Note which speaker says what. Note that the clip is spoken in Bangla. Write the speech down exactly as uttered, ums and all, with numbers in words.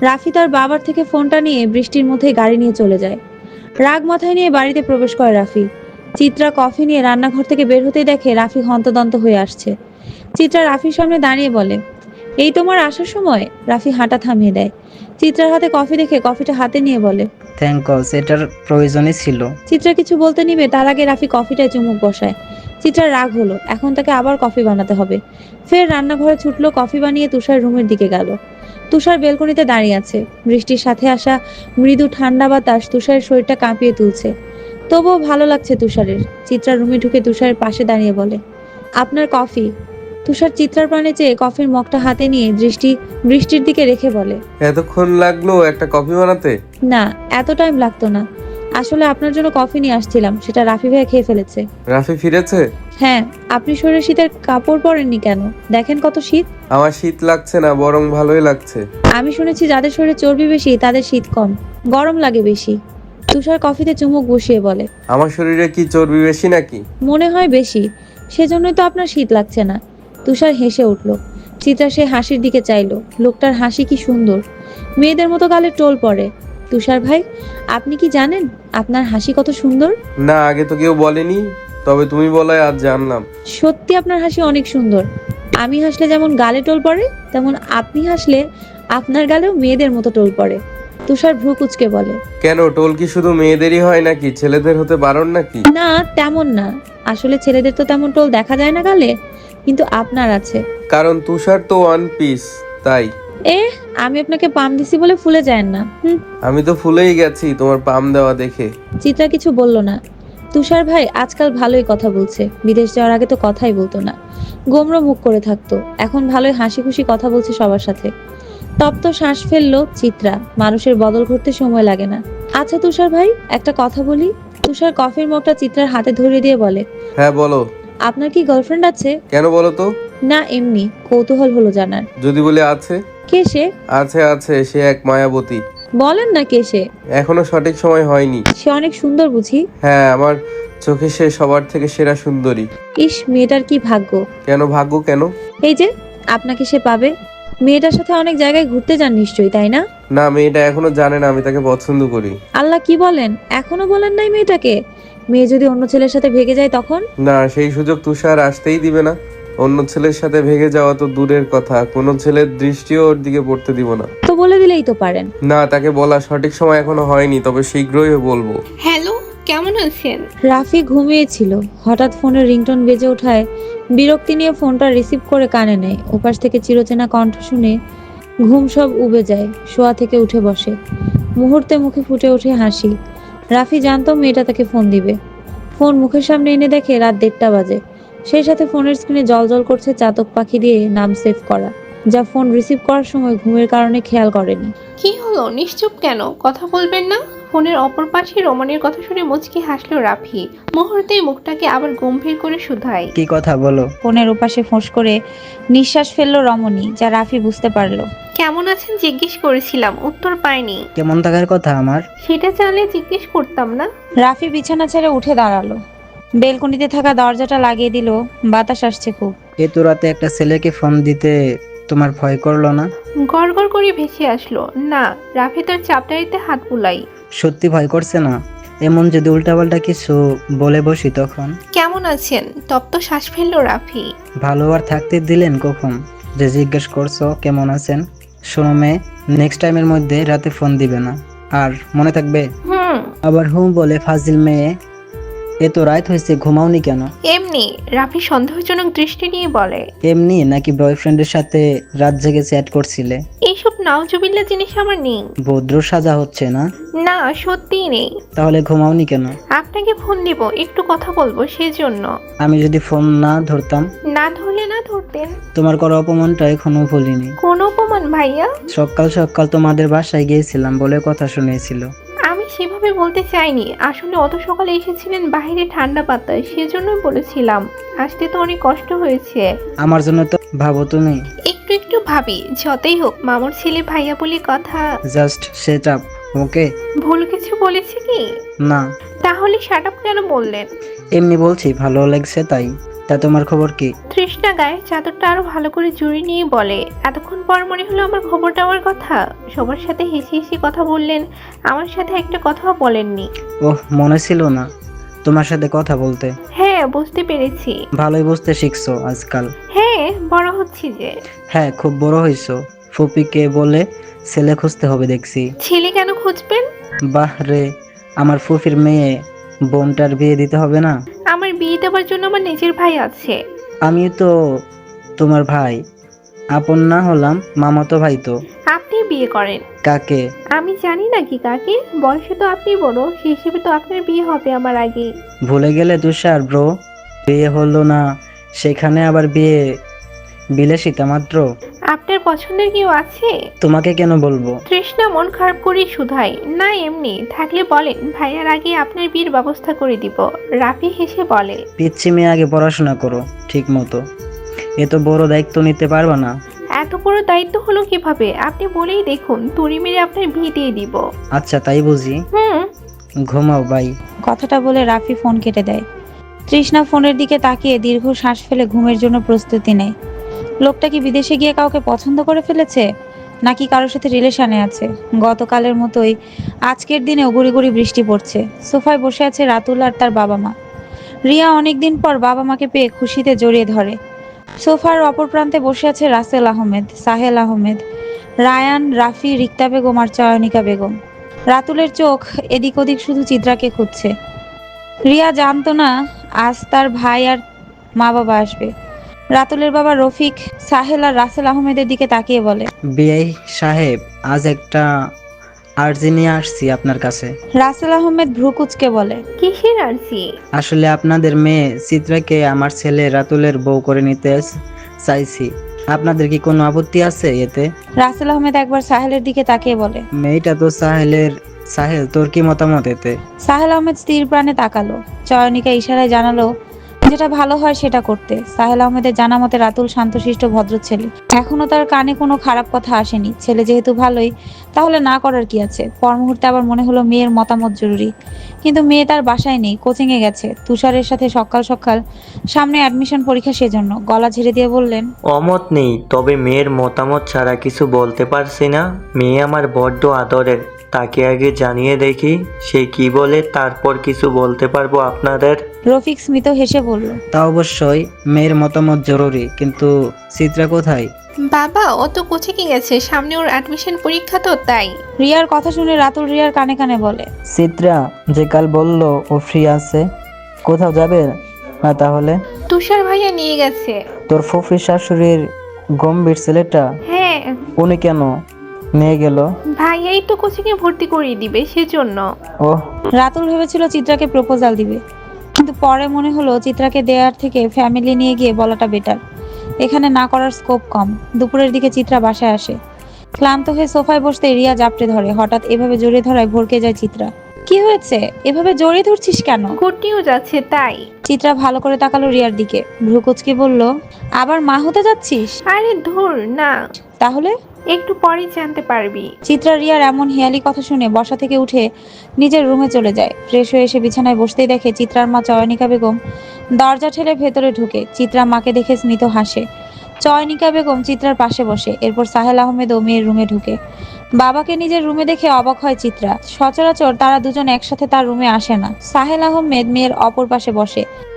Speaker 1: রাফি তার বাবার থেকে ফোনটা নিয়ে বৃষ্টির মধ্যে গাড়ি নিয়ে চলে যায়। রাগ মাথায় নিয়ে বাড়িতে প্রবেশ করে রাফি। চিত্রা কফি নিয়ে রান্নাঘর থেকে বের হতেই দেখে রাফি হন্তদন্ত হয়ে আসছে। চিত্রা রাফির সামনে দাঁড়িয়ে বলে, এই তোমার আসার সময়? রাফি হাঁটা থামিয়ে দেয়। চিত্রার হাতে কফি দেখে কফিটা হাতে নিয়ে বলে,
Speaker 2: থ্যাংক গড, এটার প্রয়োজনই ছিল।
Speaker 1: চিত্রা কিছু বলতে নিবে তার আগে রাফি কফিটায় চুমুক বসায়। চিত্রার রাগ হলো, এখন তাকে আবার কফি বানাতে হবে। ফের রান্নাঘরে ছুটলো, কফি বানিয়ে তুষার রুমের দিকে গেল। তুষার বেলকনিতে দাঁড়িয়ে আছে। বৃষ্টির সাথে আসা মৃদু ঠান্ডা বাতাস তুষারের শরীরটা কাঁপিয়ে তুলছে। তবুও ভালো লাগছে তুষারের। চিত্রা রুমে ঢুকে তুষারের পাশে দাঁড়িয়ে বলে, আপনার কফি। তুষার চিত্রার প্রাণে চেয়ে কফির মগটা হাতে নিয়ে দৃষ্টি বৃষ্টির দিকে রেখে বলে,
Speaker 3: এতক্ষণ লাগলো একটা কফি বানাতে?
Speaker 1: না, এত টাইম লাগতো না। আসলে আপনার জন্য কফি নিয়ে আসছিলাম, সেটা রাফি ভাইয়া খেয়ে ফেলেছে।
Speaker 3: রাফি ফিরেছে?
Speaker 1: হ্যাঁ। আপনি শরীরে শীতের কাপড় পরেননি কেন? দেখেন কত শীত।
Speaker 3: আমার শীত লাগছে না, বরং ভালোই লাগছে।
Speaker 1: আমি শুনেছি যাদের শরীরে চর্বি বেশি তাদের শীত কম, গরম লাগে বেশি। তুষার কফিতে চুমুক বসিয়ে বলে,
Speaker 3: আমার শরীরে কি চর্বি বেশি নাকি?
Speaker 1: মনে হয় বেশি, সেজন্যই তো আপনার শীত লাগছে না। তুষার হেসে উঠল। চিত্রা সে হাসির দিকে চাইলো। লোকটার হাসি কি সুন্দর, মেয়েদের মতো গালে টোল পড়ে। তুষার ভাই, আপনি কি জানেন আপনার হাসি কত সুন্দর?
Speaker 3: না, আগে তো কেউ বলেনি, তবে তুমি বলায় আজ জানলাম।
Speaker 1: সত্যি আপনার হাসি অনেক সুন্দর। আমি হাসলে যেমন গালে টোল পড়ে, তেমন আপনি হাসলে আপনার গালেও মেয়েদের মতো টোল পড়ে। তুষার ভ্রু কুচকে বলে,
Speaker 3: কেন, টোল কি শুধু মেয়েদেরই হয় নাকি? ছেলেদের হতে বারণ নাকি?
Speaker 1: না তেমন না, আসলে ছেলেদের তো তেমন টোল দেখা যায় না গালে, কিন্তু আপনার আছে।
Speaker 3: কারণ তুষার তো ওয়ান পিস, তাই।
Speaker 1: এ, আমি আপনাকে পাম দিছি বলে ফুলে যায় না। হুম।
Speaker 3: আমি তো ফুলেই গেছি তোমার পাম দেওয়া দেখে।
Speaker 1: চিত্রা কিছু বলল না। তুষার ভাই আজকাল ভালোই কথা বলছে, বিদেশ যাওয়ার আগে তো কথাই বলতো না, গোমড়ো মুখ করে থাকতো। এখন ভালোই হাসি খুশি কথা বলছে সবার সাথে। তপ্ত শ্বাস ফেললো চিত্রা। মানুষের বদল ঘটতে সময় লাগে না। আচ্ছা তুষার ভাই, একটা কথা বলি। তুষার কফির মগটা চিত্রার হাতে ধরিয়ে দিয়ে বলে,
Speaker 3: হ্যাঁ বলো।
Speaker 1: আপনার কি গার্লফ্রেন্ড আছে?
Speaker 3: কেন বলো তো?
Speaker 1: না এমনি কৌতূহল হলো জানার।
Speaker 3: যদি বলে আছে?
Speaker 1: কে সে?
Speaker 3: আছে আছে, সে এক মায়াবতী।
Speaker 1: বলেন না কে সে?
Speaker 3: এখনো সঠিক সময় হয়নি।
Speaker 1: সে অনেক সুন্দর বুঝি?
Speaker 3: হ্যাঁ, আমার চোখে সে সবার থেকে সেরা সুন্দরী।
Speaker 1: ইস, মেয়েটার কি ভাগ্য।
Speaker 3: কেন ভাগ্য কেন?
Speaker 1: এই যে আপনাকে সে পাবে। মেয়েটার সাথে অনেক জায়গায় ঘুরতে যান নিশ্চয়ই, তাই না?
Speaker 3: না, মেয়েটা এখনো জানে না আমি তাকে পছন্দ করি।
Speaker 1: আল্লাহ, কি বলেন? এখনো বলেন নাই মেয়েটাকে? মেয়ে যদি অন্য ছেলের সাথে ভেগে যায় তখন?
Speaker 3: না, সেই সুযোগ তুষার আসতেই দিবে না। অন্য ছেলের সাথে ভেগে যাওয়া তো দূরের কথা, কোনো ছেলের দৃষ্টিও ওর দিকে পড়তে দিব না।
Speaker 1: তো বলে দিলেই তো পারেন।
Speaker 3: না, তাকে বলা সঠিক সময় এখনো হয়নি, তবে শীঘ্রই বলবো।
Speaker 4: হ্যালো, কেমন আছেন?
Speaker 1: রাফি ঘুমিয়েছিল। হঠাৎ ফোনের রিংটোন বেজে ওঠায় বিরক্তি নিয়ে ফোনটা রিসিভ করে কানে নেয়। ওপাশ থেকে চিরচেনা কণ্ঠ শুনে ঘুম সব উবে যায়। শোয়া থেকে উঠে বসে। মুহূর্তে মুখে ফুটে ওঠে হাসি। রাফি জানতো মেয়েটা তাকে ফোন দিবে। ফোন মুখের সামনে এনে দেখে রাত দেড়টা বাজে। সেই সাথে ফোনের স্ক্রিনে জলজল করছে চাতক পাখি দিয়ে নাম সেভ করা, যা ফোন রিসিভ করার সময় ঘুমের কারণে খেয়াল করেনি।
Speaker 4: কি হলো, নিশ্চুপ কেন? কথা বলবেন না? ফোনের অপর পাশে রমণীর কথা শুনে মুচকি হাসলো রাফি। মুহূর্তেই মুখটাকে আবার গম্ভীর করে শুধায়।
Speaker 2: কি কথা বলো?
Speaker 1: ফোনের ওপাশে ফোঁস করে নিঃশ্বাস ফেললো রমণী, যা রাফি বুঝতে পারলো।
Speaker 4: কেমন আছেন জিজ্ঞেস করেছিলাম, উত্তর পাইনি।
Speaker 2: কেমন থাকার কথা আমার?
Speaker 4: সেটা চাইলে জিজ্ঞেস করতাম না?
Speaker 1: রাফি বিছানা ছেড়ে উঠে দাঁড়ালো। বেলকনিতে থাকা দরজাটা লাগিয়ে দিল। বাতাস আসছে খুব।
Speaker 2: এত রাতে একটা ছেলেকে ফোন দিতে তোমার ভয় করলো না?
Speaker 4: গড় গড় করে ভেসে আসলো, না। রাফি তার চাপটারিতে হাত বুলাই।
Speaker 2: সত্যি ভয় করছে না? এমন যদি উল্টাপাল্টা কিছু বলে বসি তখন?
Speaker 4: কেমন আছেন? তপ্ত শ্বাস ফেললো রাফি।
Speaker 2: ভালো আর থাকতে দিলেন কখন যে জিজ্ঞেস করছো কেমন আছেন? শোনো মেয়ে, নেক্সট টাইমের মধ্যে রাতে ফোন দিবে না, আর মনে থাকবে।
Speaker 4: হুম।
Speaker 2: আবার হুম বলে ফাজিল মেয়ে। এত রাত হয়েছে, ঘুমাওনি কেন?
Speaker 4: এমনি। রাফি সন্দেহজনক দৃষ্টি নিয়ে বলে।
Speaker 2: এমনি নাকি বয়ফ্রেন্ডের সাথে রাত জেগে চ্যাট করছিলে?
Speaker 4: এইসব নাউজুবিল্লাহ জিনিস আমার নেই।
Speaker 2: ভদ্র সাজা হচ্ছে না?
Speaker 4: না, সত্যিই নেই।
Speaker 2: তাহলে ঘুমাওনি কেন?
Speaker 4: আপনাকে ফোন দিব, একটু কথা বলবো, সেজন্য।
Speaker 2: আমি যদি ফোন না ধরতাম?
Speaker 4: না ধরলে না ধরতেন।
Speaker 2: তোমার করা অপমানটা এখনো ভুলিনি।
Speaker 4: কোন অপমান ভাইয়া?
Speaker 2: সকাল সকাল তোমাদের বাসায় গিয়েছিলাম বলে কথা শুনেছিল।
Speaker 4: আমি সেভাবে বলতে চাইনি, আসলে অত সকালে এসেছিলেন বাইরে ঠান্ডা বাতাস, সেজন্যই বলেছিলাম। আসতে তো অনেক কষ্ট হয়েছে।
Speaker 2: আমার জন্য তো ভাবো তুমি।
Speaker 4: একটু একটু ভাবি, যতই হোক মামুর ছেলে ভাইয়া বলে কথা।
Speaker 2: Just set up, okay?
Speaker 4: ভুল কিছু বলেছে কি?
Speaker 2: না,
Speaker 4: তাহলে শাট আপ কেন বললেন?
Speaker 2: এমনি বলছি, ভালো লাগছে তাই। তা তোমার খবর কি?
Speaker 4: তৃষ্ণা গায়ে চাদরটা আরো ভালো করে জড়িয়ে নিয়ে বলে, এতক্ষণ পর মনে হলো আমার খবরটা আমার কথা। সবার সাথে হেসে হেসে কথা বললেন, আমার সাথে একটা কথাও বলেননি।
Speaker 2: ওহ, মনে ছিল না তোমার সাথে কথা বলতে।
Speaker 4: হ্যাঁ, বুঝতে পেরেছি।
Speaker 2: ভালোই বুঝতে শিখছো আজকাল।
Speaker 4: হ্যাঁ, বড় হচ্ছি যে।
Speaker 2: হ্যাঁ, খুব বড় হইছো। ফুপিকে বলে ছেলে খুঁজতে হবে দেখছি।
Speaker 4: ছেলে কেন খুঁজবেন?
Speaker 2: বাহ রে, আমার ফুফির মেয়ে বোনটার বিয়ে দিতে হবে না?
Speaker 4: আমার বিয়ে দেওয়ার জন্য আমার নিজের ভাই আছে।
Speaker 2: আমি তো তোমার ভাই, আপন না হলাম মামাতো ভাই তো।
Speaker 4: আপনি বিয়ে করেন?
Speaker 2: কাকে?
Speaker 4: আমি জানি না কি কাকে, বয়সে তো আপনি বড়, সেই হিসেবে তো আপনার বিয়ে হবে আমার আগে।
Speaker 2: ভুলে গেলে তুষার ব্রো, বিয়ে হলো না সেখানে আবার বিয়ে বিলাসিতা মাত্র।
Speaker 4: আপনার পছন্দের কেউ আছে?
Speaker 2: তোমাকে কেন বলবো?
Speaker 4: তৃষ্ণা মন খারাপ করে শুধাই, না এমনি, থাকলে বলেন, ভাইয়ার আগে আপনার বিয়ের ব্যবস্থা করে দিব। রাফি হেসে বলে,
Speaker 2: পিচ্ছি মেয়ে, আগে পড়াশোনা করো ঠিক মতো, এত বড় দায়িত্ব নিতে পারবা না।
Speaker 4: এত বড় দায়িত্ব হলো কিভাবে? আপনি বলেই দেখুন, তুড়ি মেরে আপনার বিয়ে দিয়ে দিব।
Speaker 2: আচ্ছা তাই বুঝি।
Speaker 4: হুম।
Speaker 2: ঘুমাও বাই।
Speaker 1: কথাটা বলে রাফি ফোন কেটে দেয়। তৃষ্ণা ফোনের দিকে তাকিয়ে দীর্ঘ শ্বাস ফেলে ঘুমের জন্য প্রস্তুতি নেয়। লোকটা কি বিদেশে গিয়ে কাউকে পছন্দ করে ফেলেছে, নাকি কারোর সাথে রিলেশনে আছে? গতকালের মতোই আজকের দিনেও গুড়ি গুড়ি বৃষ্টি পড়ছে। সোফায় বসে আছে রাতুল আর তার বাবা মা। রিয়া অনেকদিন পর বাবা মাকে পেয়ে খুশিতে জড়িয়ে ধরে। সোফার অপর প্রান্তে বসে আছে রাসেল আহমেদ, সাহেল আহমেদ, রায়ান, রাফি, রিক্তা বেগম আর চয়নিকা বেগম। রাতুলের চোখ এদিক ওদিক শুধু চিত্রাকে খুঁজছে। রিয়া জানতো না আজ তার ভাই আর মা বাবা আসবে। রাতুলের বাবা রফিক, সাহেল আর রাসেল আহমেদের দিকে তাকিয়ে বলে,
Speaker 2: বিআই সাহেব, আজ একটা আর্জি নিয়ে আসছি আপনার কাছে।
Speaker 1: রাসেল আহমেদ ভ্রু কুচকে বলে,
Speaker 4: কিসের আরজি?
Speaker 2: আসলে আপনাদের মেয়ে চিত্রাকে আমার ছেলে রাতুলের বউ করে নিতে চাইছি। আপনাদের কি কোনো আপত্তি আছে এতে?
Speaker 1: রাসেল আহমেদ একবার সাহেলের দিকে তাকিয়ে বলে।
Speaker 2: মেয়েটা তো সাহেলের। সাহেল, তোর কি মতামত এতে?
Speaker 1: সাহেল আহমেদ স্থির প্রাণে তাকালো। চয়নিকা ইশারায় জানালো যেটা ভালো হয় সেটা করতে। সাহেল আহমেদের জানা মতে রাতুল শান্তশিষ্ট ভদ্র ছেলে, এখনো তার কানে কোনো খারাপ কথা আসেনি। ছেলে যেহেতু ভালোই, তাহলে না করার কি আছে? পর মুহূর্তে আবার মনে হলো মেয়ের মতামত জরুরি, কিন্তু মেয়ে তার বাসায় নেই, কোচিং এ গেছে তুষারের সাথে। সকাল সকাল সামনে অ্যাডমিশন পরীক্ষা, সেজন্য গলা ঝেড়ে দিয়ে বললেন,
Speaker 5: অমত নেই, তবে মেয়ের মতামত ছাড়া কিছু বলতে পারছি না। মেয়ে আমার বড্ড আদরের, তাকে আগে জানিয়ে দেখি সে কি বলে, তারপর কিছু বলতে পারবো আপনাদের।
Speaker 1: রফিক স্মিত হেসে বলল,
Speaker 2: তা অবশ্যই মেয়ের মতামত জরুরি, কিন্তু চিত্রা কোথায়?
Speaker 4: বাবা, ও তো কোচিংয়ে গেছে, সামনে ওর অ্যাডমিশন পরীক্ষা তো, তাই।
Speaker 1: রিয়ার কথা শুনে রাতুল রিয়ার কানে কানে বলে,
Speaker 2: চিত্রা যে কাল বললো ও ফ্রি আছে, কোথাও যাবে না তাহলে?
Speaker 4: তুষার ভাইয়া নিয়ে গেছে।
Speaker 2: তোর ফুফির শাশুড়ির গম্ভীর ছেলেটা,
Speaker 4: হ্যাঁ,
Speaker 2: উনি কেন নিয়ে গেল?
Speaker 4: ভাইয়াই তো কোচিংয়ে ভর্তি করিয়ে দিবে, সেজন্য।
Speaker 2: ওহ,
Speaker 1: রাতুল ভেবেছিল চিত্রাকে প্রপোজাল দিবে, কিন্তু পরে মনে হলো চিত্রাকে দেয়ার থেকে ফ্যামিলি নিয়ে গিয়ে বলাটা বেটার। এখানে না করার স্কোপ কম। দুপুরের দিকে চিত্রা বাসায় আসে। ক্লান্ত হয়ে সোফায় বসতে রিয়া জাপটে ধরে। হঠাৎ এভাবে জড়িয়ে ধরায় ভরকে যায় চিত্রা। কি হয়েছে? এভাবে জড়িয়ে ধরছিস কেন?
Speaker 4: গুড নিউজ আছে, তাই।
Speaker 1: চিত্রা ভালো করে তাকালো রিয়ার দিকে, ভ্রু কুচকে বলল, আবার মা হতে যাচ্ছিস?
Speaker 4: আরে ধুর না,
Speaker 1: তাহলে?
Speaker 4: একটু পরেই জানতে পারবি।
Speaker 1: চিত্রা রিয়ার এমন হেয়ালি কথা শুনে বসা থেকে উঠে নিজের রুমে চলে যায়। ফ্রেশ হয়ে এসে বিছানায় বসতেই দেখে চিত্রার মা চয়নিকা বেগম দরজা ঠেলে ভেতরে ঢুকে। চিত্রা মাকে দেখে স্মিত হাসে। চয়নিকা বেগম চিত্রার পাশে বসে। এরপর সাহেল আহমেদও মেয়ের রুমে ঢুকে। বাবাকে নিজের রুমে দেখে অবাক হয় চিত্রা। সচরাচর তারা দুজন একসাথে তার রুমে আসে না। সাহেল আহমেদ মেয়ের অপর পাশে বসে।